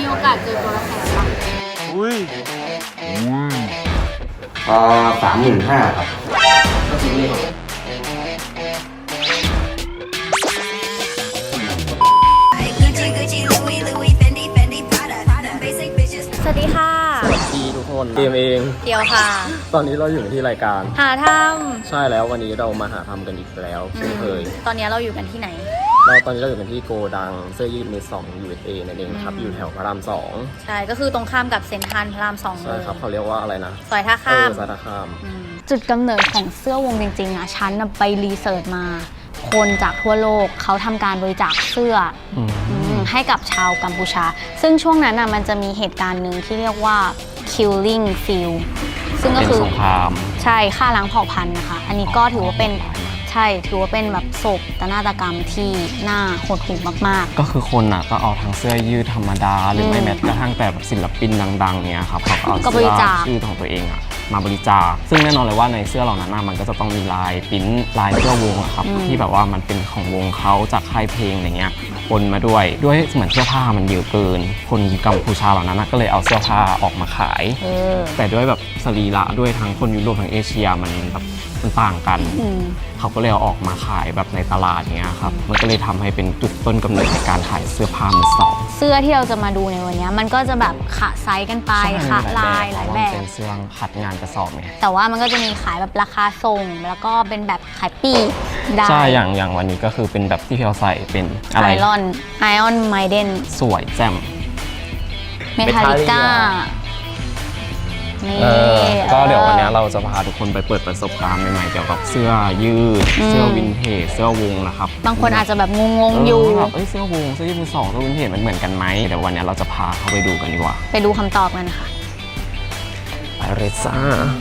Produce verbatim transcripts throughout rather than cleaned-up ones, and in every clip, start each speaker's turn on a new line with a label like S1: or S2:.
S1: โอกาสเจอตัวละแสนปะ
S2: อุ้ย
S3: เอ่อสามหมื่นห้าครับก็ซื้อเลข
S1: สวัสดีค่ะ
S2: สวัสดีทุกคนเกมเอง
S1: เกียวค่ะ
S2: ตอนนี้เราอยู่ที่รายการ
S1: หาท
S2: ใช่แล้ววันนี้เรามาหาทำกันอีกแล้วเช่นเคย
S1: ำตอนนี้เราอยู่กันที่ไหน
S2: เราตอนนี้เราอยู่กันที่โกดังเสื้อยืดมือสอง ยู เอส เอ นั่นเองครับ อยู่แถวพระรามสอง
S1: ใช่ก็คือตรงข้ามกับเซ็นทรัลพระรามสองเล
S2: ใช่
S1: ย
S2: ครับเขาเรียกว่าอะไรนะ
S1: ซอยท่าข้าม
S2: เออซอยท่าข้าม
S4: จุดกำเนิดของเสื้อวงจริงๆอ่ะฉันน่ะไปรีเสิร์ชมา คนจากทั่วโลกเขาทำการบริจาคเสื้ออมให้กับชาวกัมพูชา ซึ่งช่วงนั้นน่ะมันจะมีเหตุการณ์หนึ่งที่เรียกว่า killing field ซึ่งก็คือ
S2: เป็นสงคราม
S4: ใช่ฆ่าล้างเผ่าพันธุ์นะคะ อันนี้ก็ถือว่าเป็นใช่ถือว่าเป็นแบบโศกนาฏกรรมที่น่าหดหู่มากๆ
S2: ก็คือคนอ่ะก็เอาทั้งเสื้อยืดธรรมดาหรือไม่แม้กระทั่งแต่แบบศิลปินดังๆเนี่ยครับเขาก็เอา
S4: ก็บ
S2: เสื้
S4: ริ
S2: อ
S4: จาค
S2: ชื่อของตัวเองอ่ะมาบริจาคซึ่งแน่นอนเลยว่าในเสื้อเหล่านั้นมันก็จะต้องมีลายปริ้นลายเสื้อวงอะครับที่แบบว่ามันเป็นของวงเขาจากค่ายเพลงอะไรเงี้ยปนมาด้วยด้วยเหมือนเสื้อผ้ามันเยอะเกิน คนกัมพูชาเหล่านั้นก็เลยเอาเสื้อผ้าออกมาขาย
S4: เออ
S2: แต่ด้วยแบบสรีระด้วยทั้งคนยุโรปทั้งเอเชียมันแบบมันต่างกัน
S4: อืม
S2: เขาก็เลยเอาออกมาขายแบบในตลาดเนี้ยครับมันก็เลยทำให้เป็นจุดต้นกำเนิดในการขายเสื้อผ้ามือสอง
S4: เสื้อที่เราจะมาดูในวันนี้มันก็จะแบบขะไซส์กันไปขะลายหลายแบบ
S2: เป็นเสื้อขัดงานกระสอบไง
S4: แต่ว่ามันก็จะมีขายแบบราคาส่ง แล้วก็เป็นแบบขายปลีกได้
S2: ใช่อย่างอย่างวันนี้ก็คือเป็นแบบที่พี่เราใส่เป็นอะไร
S4: ไอรอนไอออนไมเดน
S2: สวยแจ่ม
S4: เมทัลลิก้านี่
S2: เออก็เดี๋ยววันนี้เราจะพาทุกคนไปเปิดประสบการณ์ใหม่ๆเกี่ยวกับเสื้อยืดเสื้อวินเทจเสื้อวงนะครับ
S4: บางคนอาจจะแบบงงๆอยู่
S2: เแบบเอ้ยเสื้อวงเสื้อยืดมือสองเสื้อวินเทจมันเหมือนกันไหมเดี๋ยววันนี้เราจะพาเข้าไปดูกันดีกว่า
S4: ไปดูคำตอบกันค่ะ
S2: ไปเลยจ้า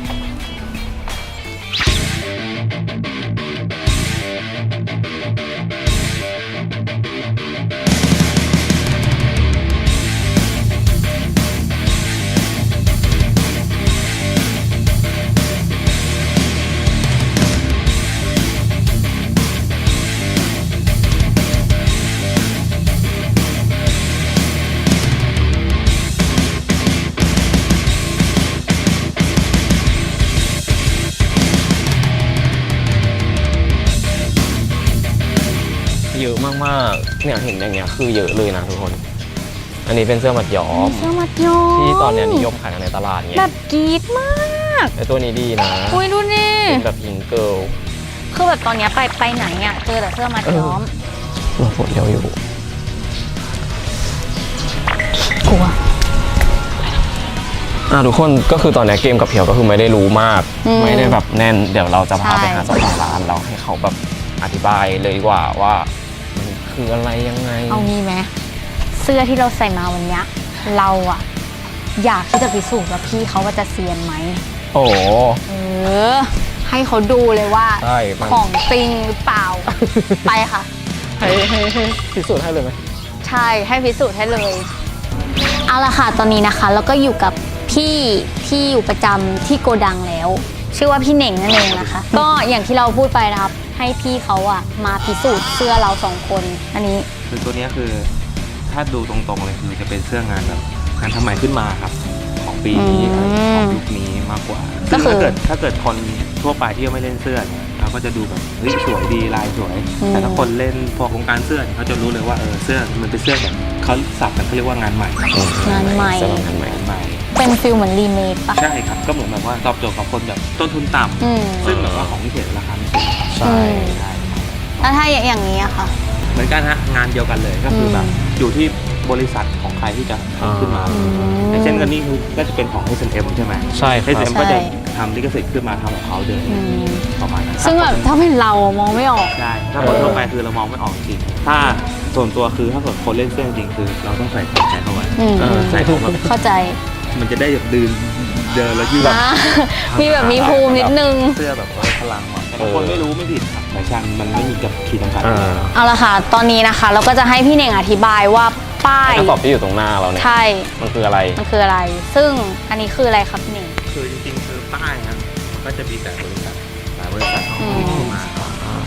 S2: เยอะมากๆเนี่ยเห็นอย่างเงี้ยคือเยอะเลยนะทุกคน อันนี้เป็นเสื้อมัดย้อม
S4: เสื้อมัดย้อม
S2: ที่ตอนเนี้ยนิยมขายกันในตลาดเงี้
S4: แบ
S2: ย
S4: บกรี๊ดมาก
S2: ไอตัวนี้ดีนะ
S4: อุ้ยดูนี่
S2: เป็นแบบพิงเกิล
S4: คือแบบตอนเนี้ยไปไปไหนอ่ะเจอแต่เสื้อมัดย้อม
S2: เราฝนเดียวอยู่
S4: กลัว
S2: อ่ะทุกคนก็คือตอนนี้เกมกับเพียวก็คือไม่ได้รู้มาก
S4: อืม
S2: ไม่ได้แบบแน่นเดี๋ยวเราจะพา
S4: ใช่
S2: ไปหาเจ้าของร้านเราให้เขาแบบอธิบายเลยดีกว่าว่ามันคืออะไรยังไง
S4: เอางี้ไหมเสื้อที่เราใส่มาวันเนี้ยเราอะอยากที่จะพิสูจน์ว่าพี่เขาว่าจะเซียนไหม
S2: โอ้โห
S4: เออ ให้เขาดูเลยว่า
S2: ใช่มัน
S4: ของจริงหรือเปล่า ไปค่ะ
S2: ให้ให้ให้พิสูจน์ให้เลยไหม
S4: ใช่ให้พิสูจน์ให้เลยเอาละค่ะตอนนี้นะคะเราก็อยู่กับพี่ที่อยู่ประจำที่โกดังแล้ว ชื่อว่าพี่เหน่งนั่นเองนะคะ ก็อย่างที่เราพูดไปนะครับ ให้พี่เขาอะมาพิสูจน์เสื้อเราสองคนอันนี้
S3: คือตัวนี้คือถ้าดูตรงๆเลยคือจะเป็นเสื้องานแบบงานทำใหม่ขึ้นมาครับ ของปีนี้
S4: อืม
S3: ของยุคนี้มากกว่า
S4: ก็คือ
S3: ถ้าเกิดถ้าเกิดคนทั่วไปที่ยังไม่เล่นเสื้อเนี่ยเราก็จะดูแบบเฮ้ยสวยดีลายสวย แต่ถ้าคนเล่นพวกวงการเสื้อเนี่ยเขาจะรู้เลยว่าเออเสื้อมันเป็นเสื้อแบบเขาสับกันเขาเรียกว่างานใหม่
S4: งานใหม่
S2: เสื้องานใหม่
S3: งานใหม่
S4: เป็นฟิลเหมือนรีเมคปะ
S3: ใช่ครับก็เหมือนแบบว่าตอบโจทย์กับคนแบบต้นทุนต่
S4: อืม
S3: ำซึ่งแบบว่าของที่เห็นราคาไม่สูง
S2: ใช่
S3: ใช่
S4: แล้วถ้าอย่างนี้อะค่ะ
S3: เหมือนกันฮะงานเดียวกันเลยก็คือแบบ
S4: อืม
S3: อยู่ที่บริษัทของใครที่จะทำขึ้นมา
S2: อื
S3: อย่างเช่นกันนี่คือก็จะเป็นของ เอส เอ็ม ใช่ไหม
S2: ใช่ค
S3: เอ
S2: รับ
S3: ส เอ็ม ก็จะทำลิขสิทธิ์ขึ้นมาทำของเขาเดิม
S4: อืม
S3: ประมาณนั้น
S4: ซึ่งแบบถ้าเป็นเราอะมองไม่ออก
S3: ใช่ถ้าคนทั่วไปคือเรามองไม่ออกจริงถ้าส่วนตัวคือถ้าเกิดคนเล่นเสื้อจริงคือเราต้องใส่ของใช้เข้าไว้
S4: อืม
S2: เออ
S3: ใส่ของแบบ
S4: เข้าใจ
S3: มันจะได้แบบดืนเดินแล้วยืด
S4: อ่ามีแบบมีภูมินิดนึง
S3: เสื้อแบบว่าพลังหน่อยแต่บางคนไม่รู้ไม่ผิดครับแฟชั่นมันไม่มีกับขีดจำกัด
S2: อ่า
S4: เอาละค่ะ ตอนนี้นะคะ เราก็จะให้พี่เน่งอธิบายว่าป้าย
S2: กระสอบที่อยู่ตรงหน้าเราเนี่ย
S4: ใช่
S2: มันคืออะไร
S4: มันคืออะไร ซึ่งอันนี้คืออะไรครับพี่เน่ง
S3: คือจริงๆคือป้ายครับมันก็จะมีแต่บริษัทหลายบริษัทเขา
S4: อืม
S3: มามา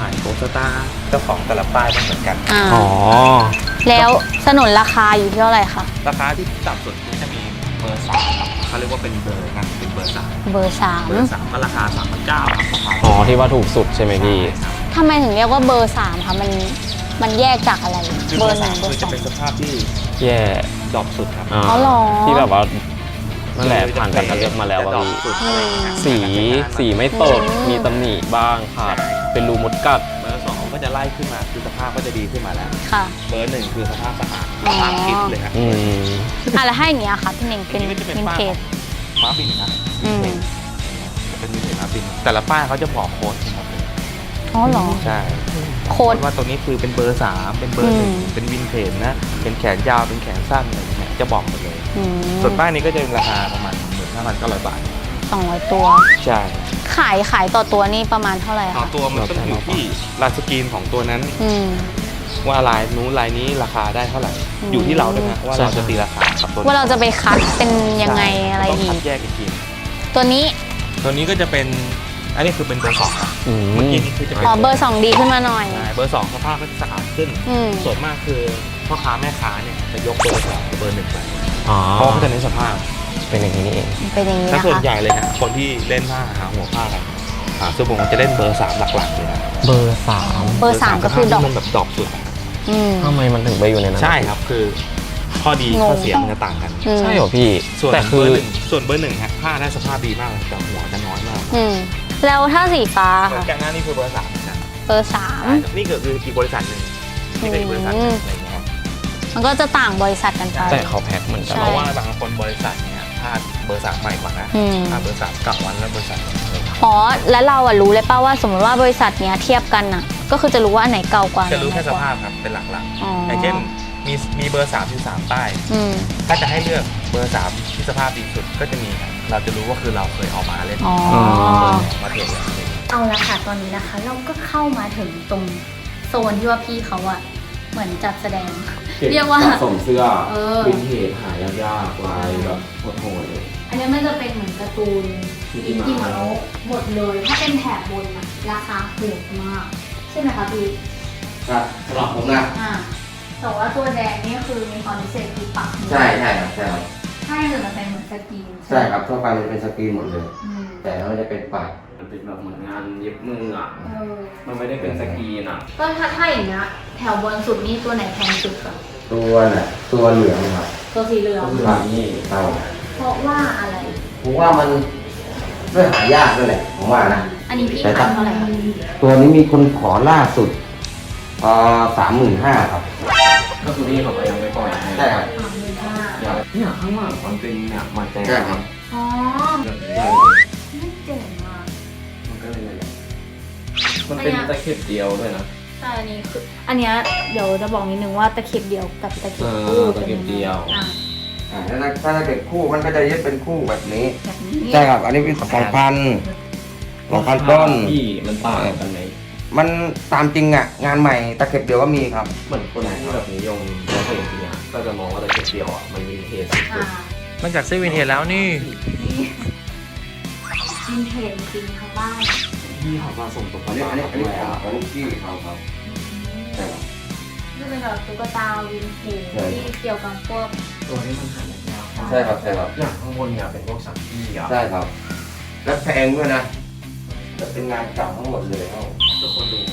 S3: ป้ายโกสตาร์เจ้าของแต่ละป้ายไม่เหมือนกัน
S4: อ่า
S2: อ๋อ
S4: แล้วสนุนราคาอยู่ที่เท่าไหร่คะ
S3: ราคาที่ต่ำสุดก็จะมีเบอร์สามครับเขาเรียกว่าเป็นเบอร์นะเป็นเบอร์สาม
S4: เบอร์สาม
S3: เบอร์สามก็ราคาสามพันเก้าครับราคา
S2: อ๋อที่ว่าถูกสุดใช่ไหมพี่
S4: ทำไมถึงเรียกว่าเบอร์สามคะมันมันแยกจากอะไร
S3: คือ
S4: เบ
S3: เบ
S4: อ
S3: อ
S4: ร์
S3: ร์
S4: หนึ่
S3: สาง ม
S4: เบอ
S3: คือ
S4: ร์ส
S3: จะ
S4: อง
S3: เป็นสภาพที่
S2: แย่
S3: ดรอปสุดครับ
S2: อ๋อ
S4: อ๋อเหรอ
S2: ที่แบบว่านั่นแหละผ่านการคัดเลือกมาแล้ว
S3: จะ
S2: ว่า
S3: ดรอป
S2: พี่
S3: สุดอะไรอย่างเงี้ย
S2: สีสีไม่ตกมีตำหนิบ้างขาดเป็นรูมดกัด
S3: เบอร์สองก็จะไล่ขึ้นมาคือสภาพก็จะดีขึ้นมาแล้ว
S4: ค่ะ
S3: เบอร์หนึ่งคือสภาพสะอาด
S4: อ๋อ
S3: สภาพคิดเลยครับ
S2: อืม
S4: อ่ะแล้วให้อย่างเงี้ยค่ะพี่เน่งเป็น
S3: อันนี้ก็จะเป็น
S4: วิน
S3: ป้าย
S4: เทจ
S3: ฟ้าบินนะ
S4: อืม
S3: จะเป็นวินเทจฟ้าบินแต่ละป้ายเขาจะบอกโค้ดครับ
S4: อ๋อเหรอ
S3: ใช่
S4: โค้ด
S3: ว่าตัวนี้คือเป็นเบอร์สามเป็นเบอร์หนึ่ง
S4: อืม
S3: เป็นวินเทจนะเป็นแขนยาวเป็นแขนสั้นอะไรอย่างเงี้ยจะบอกหมดเลย
S4: อืม
S3: ส่วนป้ายนี้ก็จะเป็นราคาประมาณหมื่นห้าพันเก้าร้อยบาท
S4: สองร้อยตัว
S3: ใช่
S4: ขายขายต่อตัวนี่ประมาณเท่าไหร่
S3: ต่อ
S4: คะ
S3: ตัวมันต้องอยู่ที่ลายสกรีนของตัวนั้น
S4: อืม
S3: ว่าลายนู้นลายนี้ราคาได้เท่าไหร่
S4: อืม
S3: อยู่ที่เราด้วยนะว่าเราจะตีราคากับตัว
S4: ว่าเราจะไปคัดเป็นยังไงอะไร
S3: ต้อง
S4: อี
S3: คั
S4: ก
S3: ดแยกอีกที
S4: ตัวนี้
S3: ตัวนี้ก็จะเป็นอันนี้คือเป็นเบอร์สองครับ
S2: อืม
S3: เมื่อกี้นี้คือจะเป็น
S4: อ๋อเบอร์สองดีขึ้นมาหน่อย
S3: ใช่เบอร์สองสภาพก็จะสะอาดขึ้น
S4: อืม
S3: ส่วนมากคือพ่อค้าแม่ค้าเนี่ยจะยกเบอร์สองกับเบอร์หนึ่งไป
S2: อ๋อ
S3: เพราะเขาจะเน้นสภาพ
S2: เป็นอย่างนี้นี่เอง
S4: เป็นอย่างนี้
S3: ถ้า
S4: นะ
S3: ส่วน
S4: คะ
S3: ใหญ่เลยนะคนที่เล่นผ้าหาหัวผ้ากันหาเสื้อผงจะเล่นเบอร์สามหลักๆเลยนะ
S2: เบอร์สาม
S4: เบอร์สามก็คือดอก
S3: ที่มันแบบดอกสุด
S4: อืม
S2: ทำไมมันถึงไปอยู่ในนั้น
S3: ใช่ครับคือข้อดี
S4: งง
S3: ข้อเสียมันจะต่างกัน
S4: อืม
S2: ใช่เหรอพี่
S3: ส่วน
S2: แต่
S3: เบ
S2: คือ
S3: อร์หนึ่งส่วนเบอร์หนึ่งฮะผ้าได้สภาพดีมากเลยแต่หัวจะน้อยมาก
S4: อืมแล้วถ้าสีฟ้า
S3: เหมือ
S4: ค่ะ
S3: นกันหน้านี่คือเบอร์สามนะ
S4: เบอร์สาม
S3: นี่ก็คืออีกบริษัทหนึ่งนี่ก็อีกบริษัทหนึ่งอะไรอย่างเงี้ยครับ
S4: มันก็จะต่างบริษัทกันไป
S2: แต่เขาแพ็คเหมือนกัน
S4: ใช่
S3: เพราะว่าบางคนบริษัทเนี่ยผ้าเบอร์สามใหม่กว่านะ
S4: อืม
S3: ผ้าเบอร์สามเก่าวันแล้วบริษัทเนี่ย
S4: อ๋อแล้วเราอะรู้เลยป่าว่าสมมติว่าบริษัทเนี้ยเทียบกันอะก็คือจะรู้ว่าอันไหนเก่ากว่า
S3: จะรู้แค่
S4: อัน
S3: ส
S4: ไหนใหม่กว่
S3: ภาพครับเป็นหลัก
S4: อ๋อ
S3: ๆ
S4: อ
S3: อย่างเช่นมีมีเบอร์สามที่สามป้าย
S4: อืม
S3: ถ้าจะให้เลือกเบอร์สามที่สภาพดีสุดก็จะมีครับเราจะรู้ว่าคือเราเคยเอามาเล่น
S4: อ๋อ
S3: มาเทรดแบบนี้
S1: เอาละค่ะตอนนี้นะคะ เราก็เข้ามาถึงตรงโซนที่ว่าพี่เขาอะเหมือนจัดแสดง เรียกว่า
S2: สะสมเสื้อ
S1: เออ
S2: วินเทจหายากๆลายแบบโหดๆเลย
S1: อันนี้มันจะเป็นเหมือนการ์ตูน
S2: ที่
S1: อิน
S2: มา
S1: ดี้มาโนะหมดเลย ถ้าเป็นแถบบนอะราคาโหดมาก ใช่ไหมคะพี่
S5: ครับสำหรับผมนะ
S1: อ่าแต่ว่าตัวแดงนี่คือมีความพิเศษคือปักหมุด
S5: ใช่ใช่ครับใช่ครับ
S1: ถ้าอย่างอื่นมันเป็นเหมือนสกรีน
S5: ใช่ครับทั่วไปมันเป็นสกรีนหมดเลย
S1: อืม
S5: แต่มันจะเป็นปัก
S2: มันเป็นแบบเหมือนงานเย็บมืออ่ะ
S1: เออ
S2: มันไม่ได้เป็นสกรีนอ่ะ
S1: ก็ถ้าถ้าอย่างเงี้ยแถวบนสุดนี่ตัวไหนแพงสุดคะ
S5: ตัวน่ะตัวเหลืองครับ
S1: ตัวสีเหลือง
S2: ก็คือนี่
S5: ครับ
S1: เพราะว่าอะไร
S5: ผมว่ามันด้วยหายากด้วยแหละผมว่านะ
S1: อันนี้พี่
S5: แต่
S1: ขาย
S5: ถ้า
S1: เท่าไหร่คะ
S5: ตัวนี้มีคนขอล่าสุดเอ่อสามหมื่นห้าครับ
S2: ก็คือนี่เขาก็ยังไม่ปล่อยให้
S5: ใช่ครับ
S1: สามหมื่นห้า
S2: เนี่ยข้างหลังมันเป็นเนี่ยมาแจ้ง
S5: ใช่ครับ
S1: อ๋อไม่เจ๋งอ่ะ
S2: มันก็เลยมันเป็นตะเข็บเดียวด้วยนะ
S1: ใช่อันนี้คือ อันเนี้ยเดี๋ยวจะบอกนิดนึงว่าตะเข็บเดียวกับตะเข็บ
S2: เอ
S1: คู่
S2: อตะเข็บเดียว
S1: อ่ะ
S5: อ่าถ้าถ้าถ้าเกิดคู่มันก็จะเย็บเป็นคู่แบบนี้
S1: แบบนี้
S5: ใช่ครับ อันนี้เป็นสองพันสองพันต้น
S2: พี่มันต่างกันไหม
S5: มันตามจริงอ่ะ งานใหม่ตะเข็บเดียวก็มีครับ
S2: เหมือนคนที่แบบนิยมเราเห็นทีเนี้ยก็จะมองว่าตะเข็บเดียวอ่ะมันมีเทส
S1: อ่า
S3: นอกจากเสื้อวินเทจแล้วนี่
S1: นี่วินเทจจริงทั้งบ้าน
S2: พี่เขามาส่งตัว
S5: อันนี้อันนี้อันนี้ของของลูกพี่เขาครับใช่ครับ
S1: นี่เป็นแบบตุ๊กตาวินเทจ
S5: ใช่
S1: ที่เกี่ยวกับพวก
S2: ตัวนี้มันหายาก
S5: ใช่ครับใช่ครับ
S2: อย่างข้างบนเนี่ยเป็นพวกสังกี้อ่ะ
S5: ใช่ครับ แล้วแพงด้วยนะจะเป็นงานเก่าทั้งหมดเลยครับ
S2: ทุกคนดู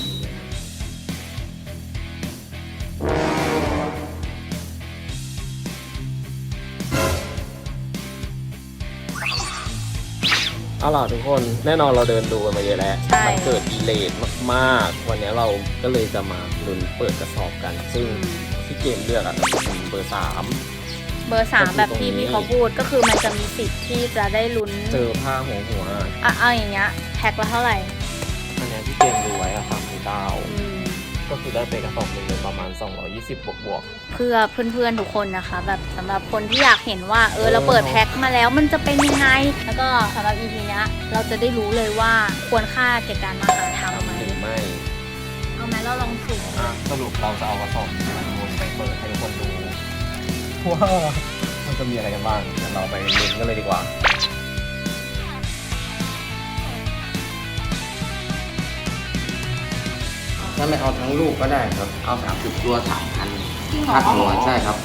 S2: เอาล่ะทุกคนแน่นอนเราเดินดูกันมาเยอะแล้ว
S1: ใช่
S2: มันเกิดดีเลย์มากๆ วันนี้เราก็เลยจะมาลุ้นเปิดกระสอบกัน ซึ่งที่เกมเลือกอ่ะจะเป็นเบอร์สาม
S1: เบอร์สามแบบที่พี่เขาพูดก็คือมันจะมีสิทธิ์ที่จะได้ลุ้น
S2: เจอผ้าหัวหัว
S1: อ่ะเอาอย่างเงี้ยแพ็คละเท่าไหร่
S2: อันเนี้ยที่เกมดูไว้อะสามพันเก้า
S1: อืม
S2: ก็คือได้ไปกระสอบหนึ่งเลยประมาณสองร้อยยี่สิบบวกบวก
S1: เพื่อเพื่อนๆทุกคนนะคะ แบบสำหรับคนที่อยากเห็นว่าเออเราเปิดแพ็คมาแล้วมันจะเป็นยังไง แล้วก็สำหรับ อี พี เนี้ยเราจะได้รู้เลยว่าควรค่าแก่การมาหาทำไหม
S2: หรือไม่
S1: เอาไหมเราลองสุ่ม
S2: อ่ะสรุปเราจะเอากระสอบวนไปเปิดให้ทุกคนดูว่ามันจะมีอะไรกันบ้างเดี๋ยวเราไปลุ้นกันเลยดีกว่า
S1: อ
S5: ถ้าไม่เอาทั้งลูกก็ได้ครับ เอาสามสิบตัวสามพัน
S1: จริงเหรอ
S5: ค่าตัวใช่ครับ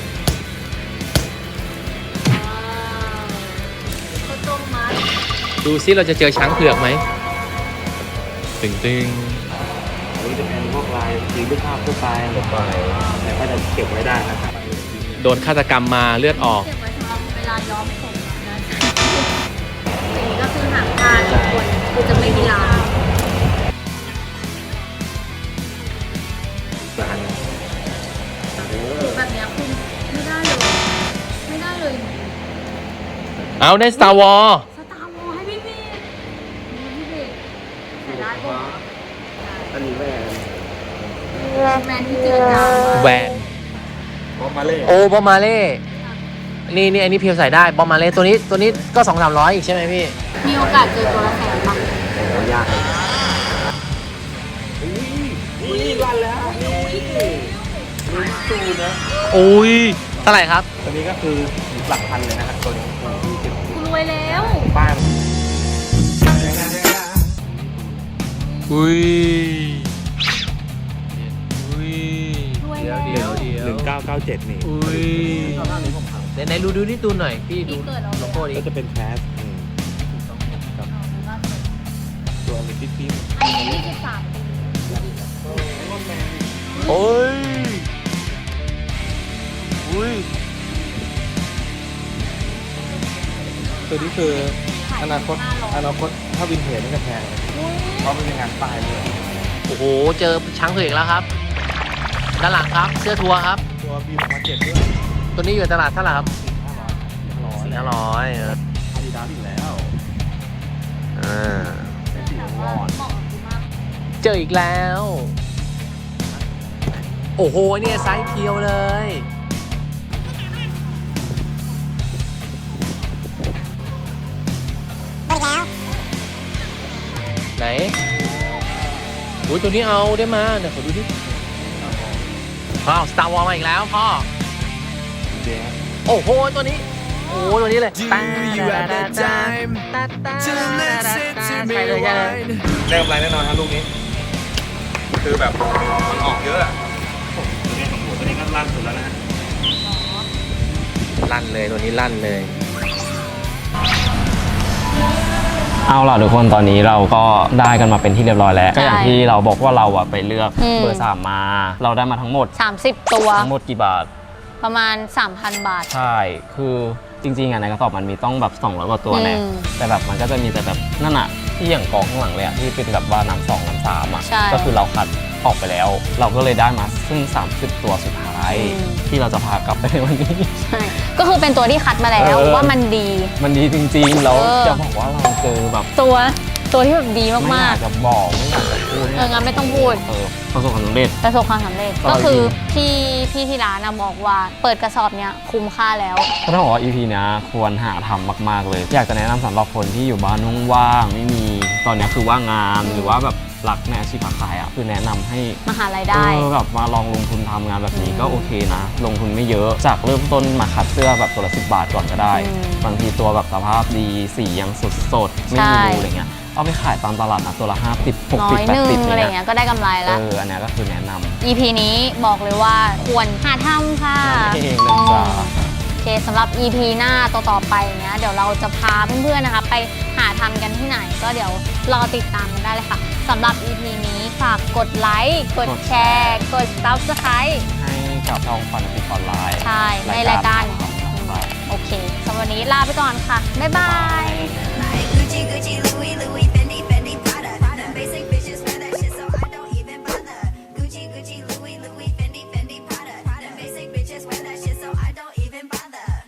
S1: ข้าวต้มมัด
S3: ดูซิเราจะเจอช้างเผือกไหมตึงตึงอันนี้จะเป็นพวกลายสีรูปภาพทั่วไปหมดไปแต่ก็จะเก็บไว้ได้นะครับโดนฆาตกรรมมาเลือดออก
S1: เก็บไว้สำหรับเวลาย้อมผมนะอย่างนี้ก็คือหางตาทุกคนคือจะไม่มีลายแบบเนี้ยคุณไม่ได้เลย ไม่ได้เลย
S3: เอาได้ Star Wars
S1: สตาร์วอลให้พี่พี่พี่พี่ใส่ได้ปะ
S5: อันนี้แม่
S1: แมนที่เจอจาง
S3: แหวน
S5: พอมาเล่
S3: โอ้บอมมาเล่นี่นี่อันนี้เพียวใส่ได้บอมมาเล่ตัวนี้ตัวนี้ก็สองสามร้อยอีกใช่ไหมพี่
S1: มีโอกาสเจอตัวละแสนปะ
S5: โอ้ยากเลย
S3: โอ้ยเท่าไหร่ครับ
S2: ตัวนี้ก็คือหลักพันเลยนะครับตัวนี้
S1: คุณรวยแล้ว
S2: บ้าน
S3: อุ้ยอุ้ย
S1: รวย
S3: เดี๋ยว
S1: แล้ว
S3: เดี๋ยวเดี๋ยว
S2: หนึ่งเก้าเก้าเจ็ดนี่
S3: อุ้ยไหนไหนดูดูนี่ตูนหน่อยพี่ดู
S1: พี่เกิดเอา
S3: โล
S1: เลย
S3: โก้นี้
S2: ก็จะเป็นแคสตัวลิติฟิม
S1: อันนี้ยี่สิบสามปี
S3: โอ้ยอุ้ย
S2: ตัวนี้คืออนาคตอนาคตถ้าวินเทจนี่จะแพงเพราะมันเป็นงานป้ายด้วย
S3: โอ้โหเจอช้างเผือกอีกแล้วครับด้านหลังครับเสื้อทัวร์ครับ
S2: ตัวบีมาเจ็ดด้วย
S3: ตัวนี้อยู่ตลาดเท่าไหร่ครับ
S2: ห้าร้อย
S3: สี่ห้าร้อยเออ
S2: อาดิดาสอีกแล้ว
S3: อ่า
S2: เป็นสีวอน
S1: เหมาะกับคุณมาก
S3: เจออีกแล้ว โอ้โหเนี่ยไซส์เพียวเลยไหนอุ้ยตัวนี้เอาได้มาเดี๋ยวขอดูดิอ้าว Star Wars มาอีกแล้วพ่อ
S2: เจ๊
S3: โอ้โห ตัวนี้ โอ้โห ตัวนี้เลยตาตาตาตาตาใช่เลยใช่เลย
S2: ได้กำไรแน่นอนครับลูกนี้ คือแบบมันออกเยอะอะตัวนี้ของหมูตัวนี้ก็ลั่นสุดแล้วนะ
S3: ลั่นเลยตัวนี้ลั่นเลย
S2: เอาล่ะทุกคนตอนนี้เราก็ได้กันมาเป็นที่เรียบร้อยแล้วก็อย่างที่เราบอกว่าเราอะไปเลือกเบอร์สามมา เราได้มาทั้งหมด
S4: สามสิบตัว
S2: ทั้งหมดกี่บาท
S4: ประมาณ สามพัน บาท
S2: ใช่ คือจริงๆอ่ะในกระสอบมันมีต้องแบบสองร้อยกว่าตัวแน่
S4: อืม
S2: แต่แบบมันก็จะมีแต่แบบนั่นอะที่อย่างกองข้างหลังเลยอะที่เป็นแบบว่าน้ำสองน้ำสามอะ
S4: ใช่
S2: ก็คือเราคัดออกไปแล้ว เราก็เลยได้มาซึ่งสามสิบตัวสุดท้าย
S4: อืม
S2: ที่เราจะพากลับไปในวันนี้
S4: ใช่ก็คือเป็นตัวที่คัดมาแล้ว
S2: เออ
S4: ว่ามันดี
S2: มันดีจริงๆแล้ว
S4: เออ
S2: จะบอกว่าเราเจอแบบ
S4: ตัวตัวที่แบบดี
S2: ไม่อ
S4: มาย
S2: าก กจะบอกไม่อยากจะพูด
S4: ๆ เอองั้นไม่ต้องพูด
S2: เออประสบความสำเร็จ
S4: ประสบความสำเร็จ
S2: อร่อย
S4: ก็คือ
S2: จริง
S4: พี่พี่ที่ร้านนะบอกว่าเปิดกระสอบเนี้ยคุ้มค่าแล้ว
S2: ก็ต้องบอกว่า อี พี เนี้ยควรหาทำมากๆเลย อยากจะแนะนำสำหรับคนที่อยู่บ้านว่างๆไม่มีตอนเนี้ยคือว่างงานหรือว่าแบบรักในอาชีพค้าขายอ่ะคือแนะนำให้
S4: มาหารายได้
S2: เออแบบมาลองลงทุนทำงานแบบนี้
S4: อืม
S2: ก็โอเคนะ ลงทุนไม่เยอะจากเริ่มต้นมาคัดเสื้อแบบตัวละสิบบาทก่อนก็ได้
S4: อืม
S2: บางทีตัวแบบสภาพดีสียังสดสดๆไม่
S4: ใช่
S2: มีรูอะไรเงี้ยเอาไปขายตามตลาดนะตัวละห้าสิบหก
S4: น้
S2: สิ
S4: อบ ย
S2: แป
S4: ห
S2: ด
S4: นึ่ง
S2: สิบ
S4: อะไร
S2: เงี้ย
S4: เงี้ยก็ได้กำไร
S2: เอ
S4: แล้ว
S2: ออันเนี้ยก็คือแนะนำ
S4: อี พี นี้บอกเลยว่าควรหาทำค่ะ
S2: นั่นเองนะจ๊ะ
S4: โอเคสำหรับ อี พี หน้าต่อๆไปเนี้ยเดี๋ยวเราจะพาเพื่อนๆนะคะไปหาทำกันที่ไหน ก็เดี๋ยวรอติดตามกันได้เลยค่ะสำหรับ อี พี นี้ฝากกดไลค์กดแชร์กด ซับสไครบ์
S2: ให้กับช่องฟันติดออนไลน์
S4: ใช่ในรายการ
S2: ของเรา
S4: โอเคสำหรับวันนี้ลาไปก่อนค่ะ บ๊ายบาย
S6: Gucci Gucci